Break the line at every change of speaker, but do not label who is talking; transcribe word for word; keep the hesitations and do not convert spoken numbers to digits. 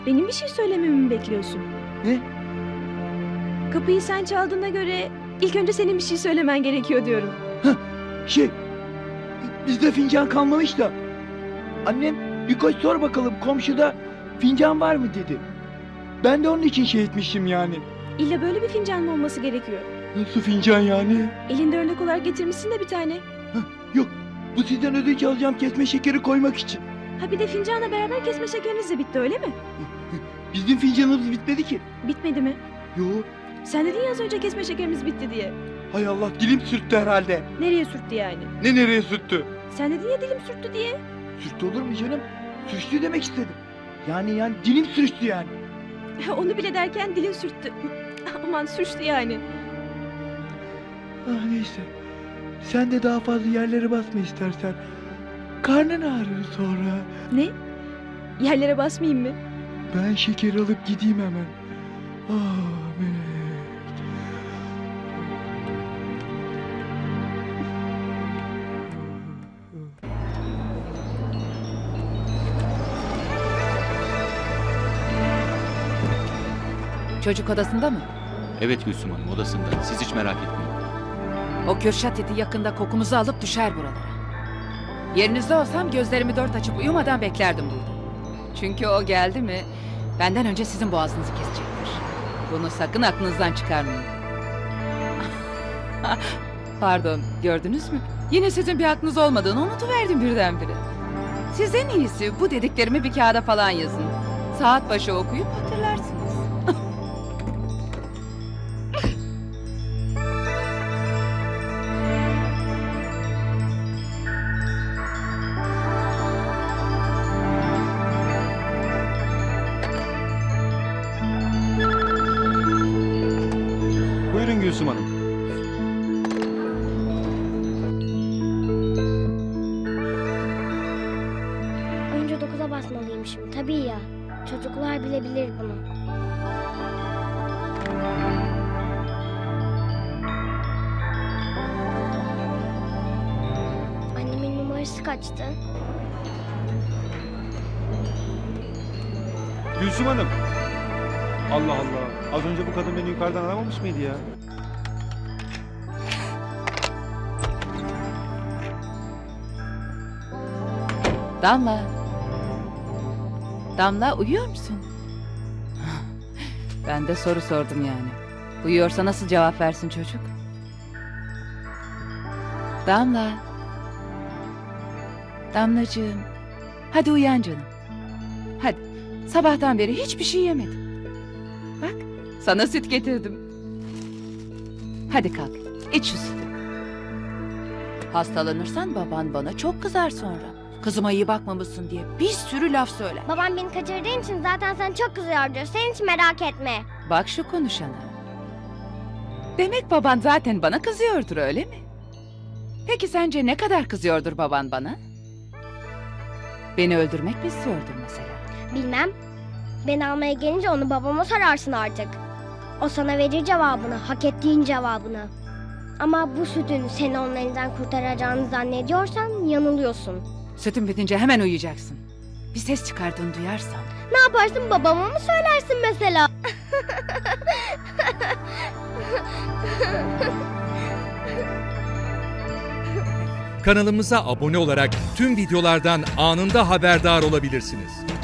Benim bir şey söylememi mi bekliyorsun?
Ne?
Kapıyı sen çaldığına göre ilk önce senin bir şey söylemen gerekiyor diyorum.
Şey, bizde fincan kalmamış da. Annem birkaç sor bakalım komşuda fincan var mı dedi. Ben de onun için şey etmişim yani.
İlla böyle bir fincan mı olması gerekiyor?
Nasıl fincan yani?
Elinde örnek olarak getirmişsin de bir tane.
Yok, bu sizden ödünç alacağım kesme şekeri koymak için.
Ha bir de fincanla beraber kesme şekeriniz de bitti öyle mi?
Bizim fincanımız bitmedi ki.
Bitmedi mi?
Yo,
Sen dedin ya az önce kesme şekerimiz bitti diye.
hay Allah dilim sürttü herhalde.
Nereye sürttü yani?
Ne nereye sürttü?
Sen dedin ya dilim sürttü diye.
Sürttü olur mu canım? Sürçtü demek istedim. Yani yani dilim sürçtü yani.
Onu bile derken dilim sürttü. Aman sürçtü yani.
Ah neyse. Sen de daha fazla yerlere basma istersen. Karnın ağrır sonra.
Ne? Yerlere basmayayım mı?
Ben şeker alıp gideyim hemen. Ah melek.
Çocuk odasında mı?
Evet Gülsüm Hanım odasında. Siz hiç merak etmeyin.
O Kürşat iti yakında kokumuzu alıp düşer buralara. Yerinizde olsam gözlerimi dört açıp uyumadan beklerdim burada. Çünkü o geldi mi benden önce sizin boğazınızı kesecektir. Bunu sakın aklınızdan çıkarmayın. Pardon, gördünüz mü? Yine sizin bir aklınız olmadığını unutuverdim birdenbire. Siz en iyisi bu dediklerimi bir kağıda falan yazın. Saat başı okuyup hatırlarsınız.
Buyurun Gülsüm Hanım.
Önce dokuza basmalıymışım. Tabii ya. Çocuklar bile bilir bunu. Annemin numarası kaçtı?
Gülsüm Hanım. Allah Allah. Az önce bu kadın beni yukarıdan aramamış mıydı ya?
Damla. Damla uyuyor musun? Ben de soru sordum yani. Uyuyorsa nasıl cevap versin çocuk? Damla. Damlacığım. Hadi uyan canım. Hadi. Sabahtan beri hiçbir şey yemedim. Bak sana süt getirdim. Hadi kalk. İç şu sütü. Hastalanırsan baban bana çok kızar sonra. Kızıma iyi bakmamışsın diye bir sürü laf söyler.
Babam beni kaçırdığın için zaten sen çok kızıyordur. Sen hiç merak etme.
Bak şu konuşana. Demek baban zaten bana kızıyordur öyle mi? Peki sence ne kadar kızıyordur baban bana? Beni öldürmek mi istiyordur mesela?
Bilmem. Beni almaya gelince onu babama sorarsın artık. O sana verir cevabını, hak ettiğin cevabını. Ama bu sütün seni onun elinden kurtaracağını zannediyorsan yanılıyorsun.
Sütün bitince hemen uyuyacaksın. Bir ses çıkardığını duyarsam.
Ne yaparsın, babama mı söylersin mesela?
Kanalımıza abone olarak tüm videolardan anında haberdar olabilirsiniz.